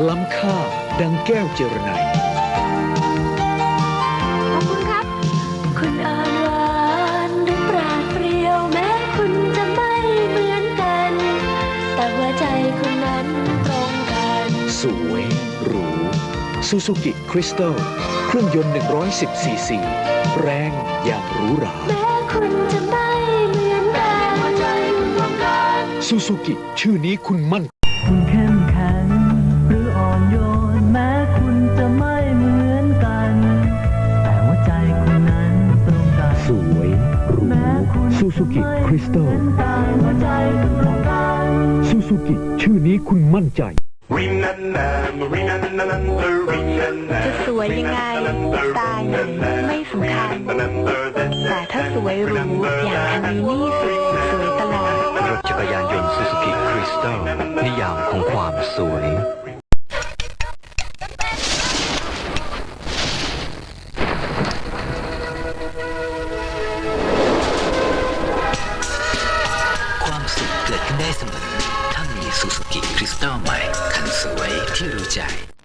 ล้ำค่าดังแก้วเจรไนยขอบคุณครับ คุณอ่อนหวานหรือปราดเปรียวแม้คุณจะไม่เหมือนกัน แต่หัวใจคุณนั้นตรงกันสวยหรูซูซูกิคริสตัลเครื่องยนต์110ซีซีแรงอย่างหรูหราแม้คุณจะไม่เหมือนกันหัวใจคุณตรงกันซูซูกิชื่อนี้คุณมั่นคุณเข้มแข็งหรืออ่อนโยนแม้คุณจะไม่เหมือนกัน แต่หัวใจคุณนั้นตรงกันสวยหรูแม้คุณซูซูกิคริสตัลหัวใจคุณตรงกันซูซูกิชื่อนี้คุณมั่นใจจะสวยยังไงสไตล์ไหนไม่สำคัญ แต่ถ้าสวยหรูอย่างคันนี้นี่สุดสวยตลอดรถจักรยานยนต์ซูซูกิคริสตัลนิยามของความสวย ความสุขเกิดขึ้นได้เสมอถ้ามีซูซูกิคริสตัลใหม่คันสวยที่รู้ใจ